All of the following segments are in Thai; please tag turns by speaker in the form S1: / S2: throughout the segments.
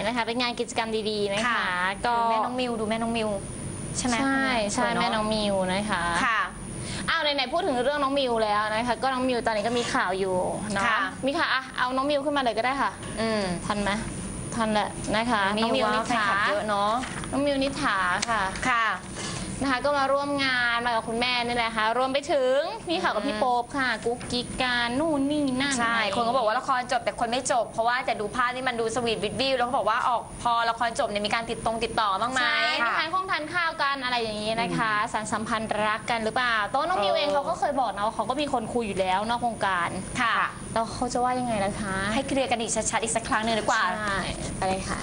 S1: นะคะเป็นงานกิจกรรมดีๆนะคะก็
S2: ดูแม่น้องมิวใช่ไหม
S1: ใช่แม่น้องมิวนะคะ
S2: ค่ะ
S1: อ้าวไหนๆพูดถึงเรื่องน้องมิวแล้วนะคะก็น้องมิวตอนนี้ก็มีข่าวอยู่เนาะมีค่ะเอาน้องมิวขึ้นมาเลยก็ได้ค่ะทันไหมทันแหละนะคะน้องมิวนิถา
S2: เยอะเนาะ
S1: น้องมิวนิถาค่ะนะคะก็มาร่วมงานมากับคุณแม่นี่แหละค่ะรวมไปถึงมีข่าวกับพี่โป๊ปค่ะกุ๊กกิ๊กการนู่นนี่นั่น
S2: ใช่คนก็บอกว่าละครจบแต่คนไม่จบเพราะว่าแต่ดูภาพนี่มันดูสวีทวิดวิวแล้วเขาบอกว่าออกพอละครจบเนี่ยมีการติดต่อบ้างไหม
S1: ทานทานข้าวกันอะไรอย่างนี้นะคะสารสัมพันธ์รักกันหรือเปล่าตัวน้องมิวเองเขาก็เคยบอกนะว่าเขาก็มีคนคุยอยู่แล้วนอกวงการ
S2: ค่ะ
S1: แล้วเขาจะว่ายังไงล่ะคะ
S2: ให้เคลียร์กันอีกชัดๆอีกสักครั้งหนึ่งดีกว่า
S1: ใช่อะไรค่ะ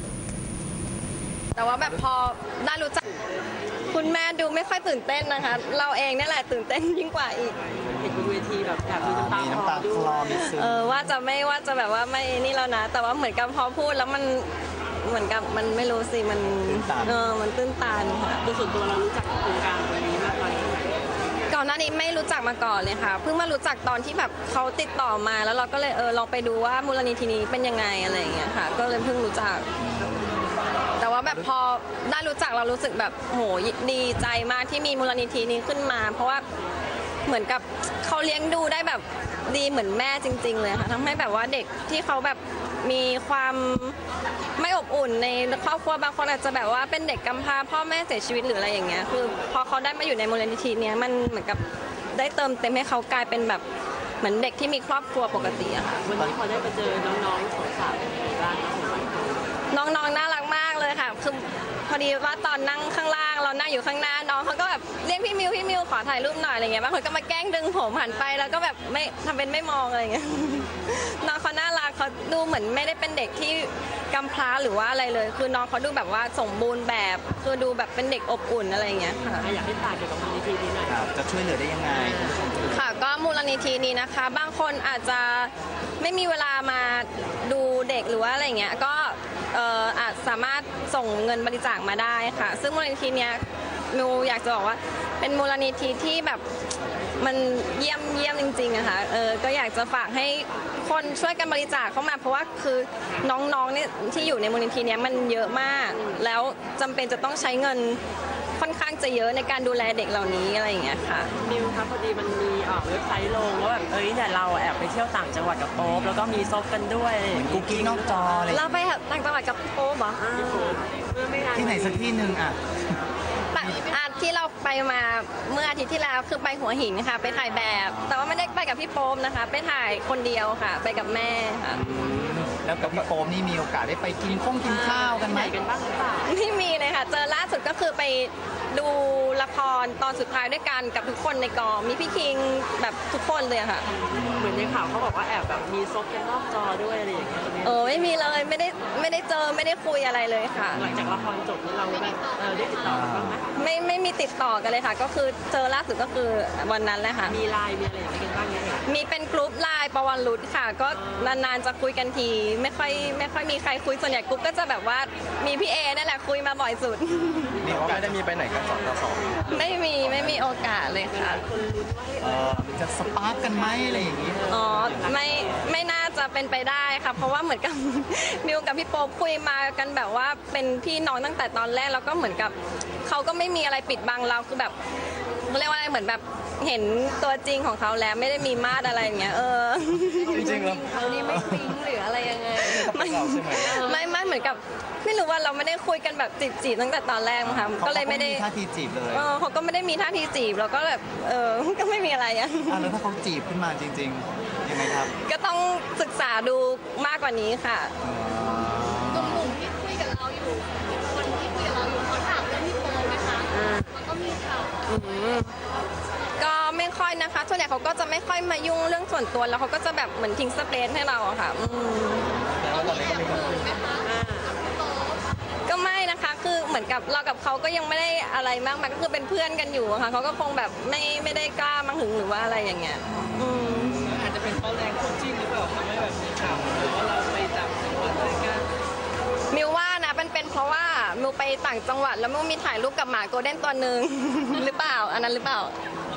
S3: แต่ว่าแบบพอได้รู้จักคุณแม่ดูไม่ค่อยตื่นเต้นนะคะเราเองนี่แหละตื่นเต้นยิ่งกว่าอีก
S4: เห็นบนเวทีแบบอยากมีน้ำตาคลอมีซึม
S3: ว่าจะแบบว่าไม่นี่แล้วนะแต่ว่าเหมือนกับพอพูดแล้วมันเหมือนกับมันไม่รู้สิมันมันตื้นตันค่ะ
S4: โดยส่วนตัวเรารู้จักโครงการตรงนี้มากน้อย
S3: ก่อนหน้านี้ไม่รู้จักมาก่อนเลยค่ะเพิ่งมารู้จักตอนที่แบบเขาติดต่อมาแล้วเราก็เลยลองไปดูว่ามูลนิธินี้เป็นยังไงอะไรอย่างเงี้ยค่ะก็เลยเพิ่งรู้จักแต่ว่าแบบพอได้รู้จักเรารู้สึกแบบโหดีใจมากที่มีมูลนิธินี้ขึ้นมาเพราะว่าเหมือนกับเขาเลี้ยงดูได้แบบดีเหมือนแม่จริงๆเลยค่ะทำให้แบบว่าเด็กที่เขาแบบมีความไม่อบอุ่นในครอบครัวบางคนอาจจะแบบว่าเป็นเด็กกำพร้าพ่อแม่เสียชีวิตหรืออะไรอย่างเงี้ยคือพอเขาได้มาอยู่ในมูลนิธินี้มันเหมือนกับได้เติมเต็มให้เขากลายเป็นแบบเหมือนเด็กที่มีครอบครัวปกติอะค่ะ
S4: วันนี้พอได้ไปเจอน้องๆสาวๆเป็นยังไงบ้าง
S3: น้องๆน่ารักมากเลยค่ะคือพอดีว่าตอนนั่งข้างล่างเรานั่งอยู่ข้างหน้าน้องเขาก็แบบเรียกพี่มิวขอถ่ายรูปหน่อยอะไรเงี้ยบางคนก็มาแกล้งดึงผมหันไปแล้วก็แบบไม่ทำเป็นไม่มองอะไรเงี้ยน้องเขาน่ารักเขาดูเหมือนไม่ได้เป็นเด็กที่กำพร้าหรือว่าอะไรเลยคือน้องเขาดูแบบว่าสมบูรณ์แบบคือดูแบบเป็นเด็กอบอุ่นอะไรเงี้ยค่ะ
S4: อยากให้ฝากเกี่ยวกับมูลนิธินี้หน่อย
S5: จะช่วยเหลือได้ยังไง
S3: ค่ะก็มูลนิธินี้นะคะบางคนอาจจะไม่มีเวลามาดูเด็กหรือว่าอะไรเงี้ยก็อาจสามารถส่งเงินบริจาคมาได้ค่ะซึ่งมูลนิธิเนี้ยมิวอยากจะบอกว่าเป็นมูลนิธิที่แบบมันเยี่ยมจริงๆอะค่ะก็อยากจะฝากให้คนช่วยกันบริจาคเข้ามาเพราะว่าคือน้องๆเนี่ยที่อยู่ในมูลนิธิเนี้ยมันเยอะมากแล้วจำเป็นจะต้องใช้เงินค่อนข้างจะเยอะในการดูแลเด็กเหล่านี้อะไรอย่างเงี้ยค่ะ
S4: มิวครับพอดีมันมีเว็บไซต์ลงว่าแบบเนี่ยเราแอบไปเที่ยวต่างจังหวัดกับโป๊ปแล้วก็มีซบกันด้วย
S5: กุ๊กกิ๊กนอกจอเลย
S3: เราไปต่างจังหวัดกับโป๊ปเหรอ
S5: ที่ไหนสักที่หนึ่ง
S3: ที่เราไปมาเมื่ออาทิตย์ที่แล้วคือไปหัวหินค่ะไปถ่ายแบบแต่ว่าไม่ได้ไปกับพี่โป๊ปนะคะไปถ่ายคนเดียวค่ะไปกับแม่ค่ะ
S5: แล้วกับพี่โป๊ปนี่มีโอกาสได้ไปกินข้าวกันไหม
S4: กันบ้างหรือเปล่า
S3: ไม่มีเลยค่ะเจอล่าสุดก็คือไปดูละครตอนสุดท้ายด้วยกันกับทุกคนในกองมีพี่คิงแบบทุกคนเลยค่ะ
S4: เหมือนในข่าวเขาบอกว่าแอบแบบมีซบกันนอกจอด้วยอะไรอย่างเงี้ย
S3: ไม่มีเลยไม่ได้เจอไม่ได้คุยอะไรเลยค่ะ
S4: หลังจากละครจบนี่เราได้ติดต่อกันบ้างไหม
S3: ไม่มีติดต่อกันเลยค่ะก็คือเจอล่าสุดก็คือวันนั้นแหละค่ะ
S4: มีไลน์มีอะไรอย่างเงี้ยกันบ้างไหม
S3: มีเป็นกลุ่มไลน์ประวันรุดค่ะก็นานๆจะคุยกันทีไม่ค่อยมีใครคุยส่วนใหญ่กลุ่มก็จะแบบว่ามีพี่เอนั่นแหละคุยมาบ่อยสุด
S5: มีโอกาสได้มีไปไหนกัน2
S3: ไม่มีโอกาสเลยค่ะ
S5: จะสปาร์กกันไหมอะไรอย่างงี้
S3: ไม่น่าจะเป็นไปได้ค่ะเพราะว่าเหมือนกับมิวกับพี่โป๊ปคุยมากันแบบว่าเป็นพี่น้องตั้งแต่ตอนแรกแล้วก็เหมือนกับเขาก็ไม่มีอะไรปิดบังเราคือแบบเรียกว่าอะไรเหมือนแบบเห็นตัวจริงของเขาแล้วไม่ได้มีมาดอะไรอย่างเงี้ย
S5: จริงๆแล้ว
S3: เขานี่ไม่ปิ๊งหรืออะไรยังไงไม่เหมือนกับไม่รู้ว่าเราไม่ได้คุยกันแบบจีบตั้งแต่ตอนแรกมั้งคะก็เลยไม่ได้
S5: ท่าทีจีบเลย
S3: เขาก็ไม่ได้มีท่าทีจีบแล้วก็แบบก็ไม่มีอะไร
S5: แล้วถ้าเขาจีบขึ้นมาจริงๆยังไงครับ
S3: ก็ต้องศึกษาดูมากกว่านี้ค่ะ
S6: หนุ่มๆที่คุยกับเราอยู่คนที่คุยกับเราอยู่เขาถามเรื่องพี่โป๊ปไหมคะมันก็มีข่าว
S3: ก็ไม่ค่อยนะคะส่วนใหญ่เขาก็จะไม่ค่อยมายุ่งเรื่องส่วนตัวแล้วเขาก็จะแบบเหมือนทิ้งสเปซให้เราอะค่ะ
S6: เรามีแอบหึงไหมคะ
S3: ก็ไม่นะคะคือเหมือนกับเรากับเขาก็ยังไม่ได้อะไรมากมายก็คือเป็นเพื่อนกันอยู่ค่ะเขาก็คงแบบไม่ได้กล้ามาหึงหรือว่าอะไรอย่างเงี้ย
S4: อาจจะเป็นเพราะแรงคู่จิ้นหรือเปล่าทำให้แบบมีข่าวหรือว่าเราไปต่างจังหวัดด้วยกัน
S3: มิวว่านะเป็นเพราะว่ามิวไปต่างจังหวัดแล้วมิวมีถ่ายรูปกับหมาโกลเด้นตัวหนึ่งหรือเปล่าอันนั้นหรือเปล่า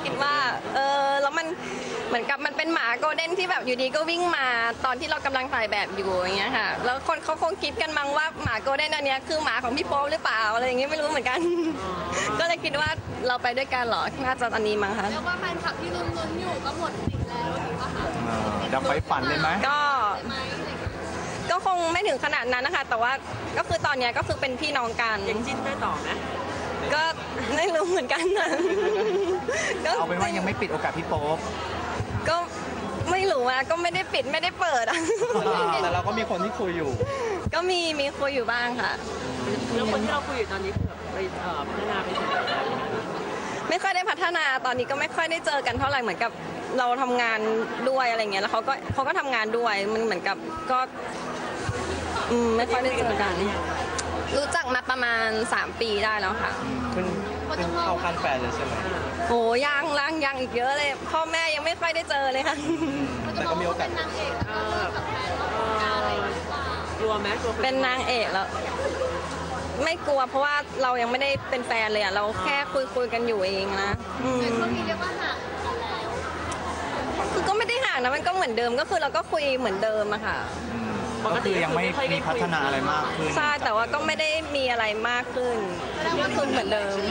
S3: คิดว่าแล้วมันเหมือนกับมันเป็นหมาโกลเด้นที่แบบอยู่ดีก็วิ่งมาตอนที่เรากำลังถ่ายแบบอยู่อย่างเงี้ยค่ะแล้วคนเขาคงคิดกันมั้งว่าหมาโกลเด้นอันเนี้ยคือหมาของพี่โป๊ปหรือเปล่าอะไรอย่างเงี้ยไม่รู้เหมือนกัน ก็เลยคิดว่าเราไปด้วยกันเหรอน่าจะอันนี้มั้งคะ
S6: เรียกว่าแฟนคลับที่ลุ้นๆอยู่ก็หมดสิทธิ์แล้วถูกปะคะ
S5: ดับไฟฝันเลยไหม
S3: ก็
S6: ใช่ไหมอะไรอย่างเงี้ย
S3: ก็คงไม่ถึงขนาดนั้นนะคะ แต่ว่าก็คือตอนเนี้ยก็คือเป็นพี่น้องกัน
S4: ยังจิ้นได้ต่อไหม
S3: ก็ไม่รู้เหมือนกันนะก็
S5: เอาเป็นว่ายังไม่ปิดโอกาสพี่โป๊ป
S3: ก็ไม่รู้อะก็ไม่ได้ปิดไม่ได้เปิดอะ
S5: แต่เราก็มีคนที่คุยอยู่
S3: ก็มีคุยอยู่บ้างค่ะ
S4: แล้วคนที่เราคุยอยู่ตอนนี้คือแบบไปพัฒนาไปถึงไหนแล้ว
S3: ไม่ค่อยได้พัฒนาตอนนี้ก็ไม่ค่อยได้เจอกันเท่าไหร่เหมือนกับเราทำงานด้วยอะไรเงี้ยแล้วเขาก็ทำงานด้วยมันเหมือนกับก็ไม่ค่อยได้เจอกัน รู้จักมาประมาณ3 ปีได้แล้วค่ะ
S5: เพิ่งเข้าขั้นแฟนเลยใช่ไหม
S3: โอ้ยังอีกเยอะเลยพ่อแม่ยังไม่ค่อยได้เจอเลยค่ะ
S5: แต่ก็มีโอกาส
S6: เป็นนางเอกแล้วก็แบบแฟนอะไรหรือเปล่าก
S4: ลัวไหมกลัวค
S3: เป็นนางเอกแล้วไม่กลัวเพราะว่าเรายังไม่ได้เป็นแฟนเลยอะเราแค่คุยกันอยู่เองนะ
S6: แต่ช่วงนี้เรียกว่าห่างกันแล้ว
S3: คือก็ไม่ได้ห่างนะมันก็เหมือนเดิมก็คือเราก็คุยเหมือนเดิมอะค่ะ
S5: ก็คือยังไม่มีพัฒนาอะไรมากขึ้น
S3: ใช่แต่ว่าก็ไม่ได้มีอะไรมากขึ้นก็คือเหมือนเดิม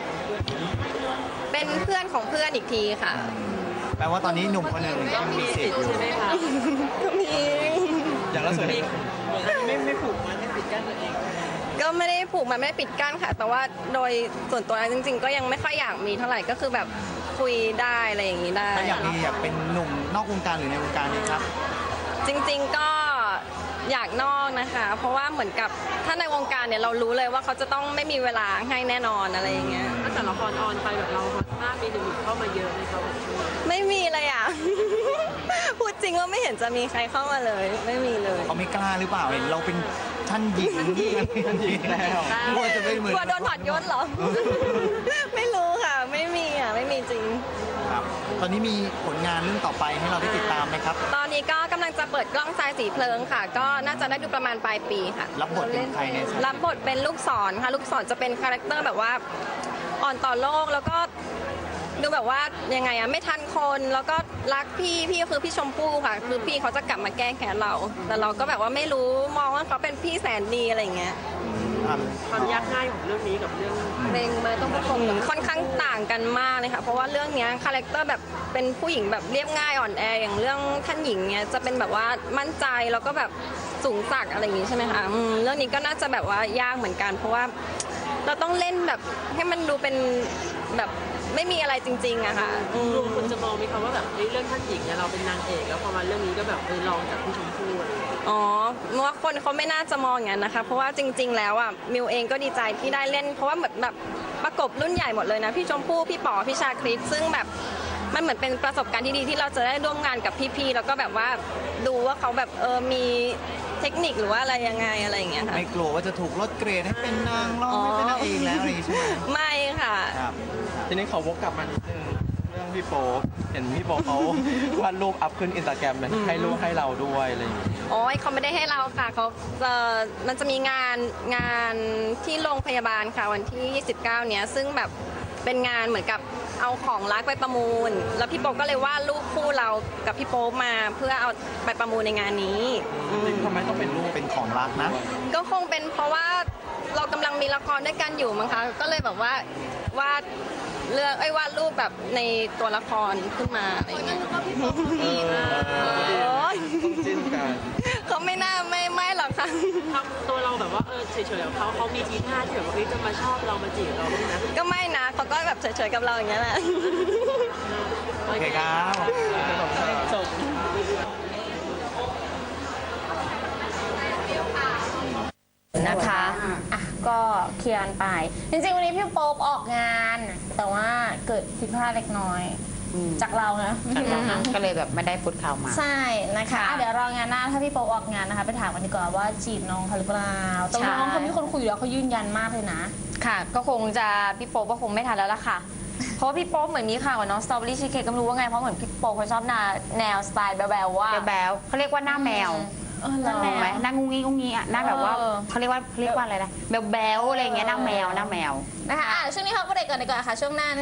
S3: เป็นเพื่อนของเพื่อนอีกทีค่ะ
S5: แปลว่าตอนนี้หนุ่มคนหนึ่งยังมีสิทธิ์อยู่
S4: ใช่ไหมคะ
S3: ก็มี
S5: อย่างล่าสุดนี้ไม่ผูกมันไม่ปิดกั้นตัวเอง
S3: ก็ไม่ได้ผูกมันไม่ได้ปิดกั้นค่ะ แต่ว่าโดยส่วนตัวจริง ๆ ก็ยังไม่ค่อยอยากมีเท่าไหร่ก็คือแบบคุยได้อะไรอย่างนี้ได้
S5: ถ้าอยากมีอยากเป็นหนุ่มนอกวงการหรือในวงการนี้ครับ
S3: จริงๆก็อยากนอกนะคะ เพราะว่าเหมือนกับถ้าในวงการเนี่ยเรารู้เลยว่าเขาจะต้องไม่มีเวลาให้แน่นอนอะไรอย่างเงี้ย
S4: ตั้งแต่ละครออนไปแบบเราฮอตมากมีหนุ่มๆเข้ามาเยอะเลยเขาแบบ
S3: ไม่มีเลยอ่ะ พูดจริงว่าไม่เห็นจะมีใครเข้ามาเลย ไม่มีเลย
S5: เขาไม่กล้าหรือเปล่าเห็นเราเป็นท่านหญิงท่านหญิงแล้วกลัวจะไม่เหมือน
S3: กลัวโดนถอดยศเหรอ ไม่รู้ค่ะ ไม่มีอ่ะ ไม่มีจริง
S5: ครับตอนนี้มีผลงานเรื่องต่อไปให้เราได้ติดตามไหมครับ
S3: ตอนนี้ก็กำลังจะเปิดกล้องทรายสีเพลิงค่ะ ก็น่าจะได้ดูประมาณปลายปีค่ะ
S5: รับบทเป็นใครใน
S3: รับบทเป็นลูกศรค่ะ ลูกศรจะเป็นคาแรคเตอร์แบบว่าอ่อนต่อโลกแล้วก็ดูแบบว่ายังไงอะไม่ทันคนแล้วก็รักพี่ก็คือพี่ชมพู่ค่ะ คือพี่เขาจะกลับมาแก้แค้นเรา แต่เราก็แบบว่าไม่รู้มองว่าเขาเป็นพี่แสนดีอะไรอย่างเงี้ย
S5: ครับ
S4: ความยากง่ายของเรื่องนี้กับเรื่อง
S3: เพลงมาต้องประกบกันค่อนข้างต่างกันมากเลยค่ะ เพราะว่าเรื่องเนี้ยคาแรคเตอร์แบบเป็นผู้หญิงแบบเรียบง่ายอ่อนแออย่างเรื่องท่านหญิงเนี้ยจะเป็นแบบว่ามั่นใจแล้วก็แบบสูงสักอะไรอย่างงี้ใช่ไหมคะเรื่องนี้ก็น่าจะแบบว่ายากเหมือนกัน เพราะว่าเราต้องเล่นแบบให้มันดูเป็นแบบไม่มีอะไรจริงๆอะค่ะ
S4: รวมคนจะมองไหมคะว่าแบบเรื่องท่านหญิงเนี่ยเราเป็นนางเอกแล้วพอมาเรื่องนี้ก็แบบลองจากพี่ชมพู่อะไรอย่างเงี้ย
S3: อ๋อว่าคนเขาไม่น่าจะมองอย่างนั้นนะคะ เพราะว่าจริง ๆ แล้วอ่ะมิวเองก็ดีใจที่ได้เล่น เพราะว่าเหมือนแบบประกบรุ่นใหญ่หมดเลยนะพี่ชมพู่พี่ป๋อพี่ชาคริสซึ่งแบบมันเหมือนเป็นประสบการณ์ที่ดีที่เราจะได้ร่วมงานกับพี่ๆแล้วก็แบบว่าดูว่าเขาแบบมีเทคนิคหรือว่าอะไรยังไงอะไรอย่างเงี้ยค่ะ
S5: ไม่กลัวว่าจะถูกลดเกรดให้เป็นนางร้องไม่เป็นนางเอกแล้วอะไรอย่างงี้ใช่ไหม
S3: ไม่ค่ะ
S5: ครับ
S7: ทีนี้ขอวกกลับมานิดนึงเรื่องพี่โป๊ปเห็นพี่โป๊ปเขา วาดรูปอัพขึ้นอินสตาแกรมเลยให้รูปให้เราด้วยอะไรอย่างเงี้ย
S3: โอ้ยเขาไม่ได้ให้เราค่ะเขามันจะมีงานที่โรงพยาบาลค่ะวันที่ 29 เนี้ยซึ่งแบบเป็นงานเหมือนกับเอาของรักไปประมูล แล้วพี่โป๊ปก็เลยวาดรูปคู่เรากับพี่โป๊ปมาเพื่อเอาไปประมูลในงานนี้อืม
S7: ทำไมต้องเป็นรูป
S5: เป็นของรักนะ
S3: ก็คงเป็นเพราะว่าเรากำลังมีละครด้วยกันอยู่มั้งคะก็เลยแบบว่าวาดวาดรูปแบบในตัวละครขึ้นมาอะไรอย่างเงี้ย โอ๊ย
S7: ต้องจิ้นกัน
S3: เขาไม่น่าไม่หรอกค่ะ
S4: ทำตัวเราแบบว่าเฉยๆกับเขามีทีท่าที่แบบว่าจะมาชอบเรามาจีบเราบ้างนะ
S3: ก็ไม่นะเขาก็แบบเฉยๆกับเราอย่างเงี้ยแหละ
S5: โอเคครับ
S7: จบ
S1: นะคะอ่ะก็เคลียร์กันไป จริงๆ วันนี้พี่โป๊ปออกงาน แต่ว่าเกิดผิดพลาดเล็กน้อย จากเรานะ
S8: ก็เลยแบบไม่ได้พุทข่าวมา
S1: ใช่นะคะอ่ะเดี๋ยวรองานหน้าถ้าพี่โป๊ปออกงานนะคะ ไปถามกันดีกว่าว่าจีบน้องเขาหรือเปล่าแต่ว่าน้องเขามีคนคุยอยู่แล้วเขายืนยันมากเลยนะ
S2: ค่ะ ก็คงจะพี่โป๊ปก็คงไม่ทันแล้วล่ะค่ะ เพราะว่าพี่โป๊ปเหมือนมีข่าวกับน้องสตรอเบอรี่ชีสเค้กก็ไม่รู้ว่าไงเพราะเหมือนพี่โป๊ปเขาชอบแนวสไตล์แบ๊วๆว่า
S8: แบ๊วๆเขาเรียกว่าหน้าแมว
S1: หน้าแม
S8: ถูกไหม
S1: ว
S8: หน้างุ้งงี้งุ้งงี้อ่ะหน้าแบบว่าเขาเรียกว่าอะไรนะแบ๊วๆอะไรอย่างเงี้ยหน้าแมว
S1: นะคะช่วงนี้เขาก็เด็กก่อนดีกว่าค่ะช่วงหน้า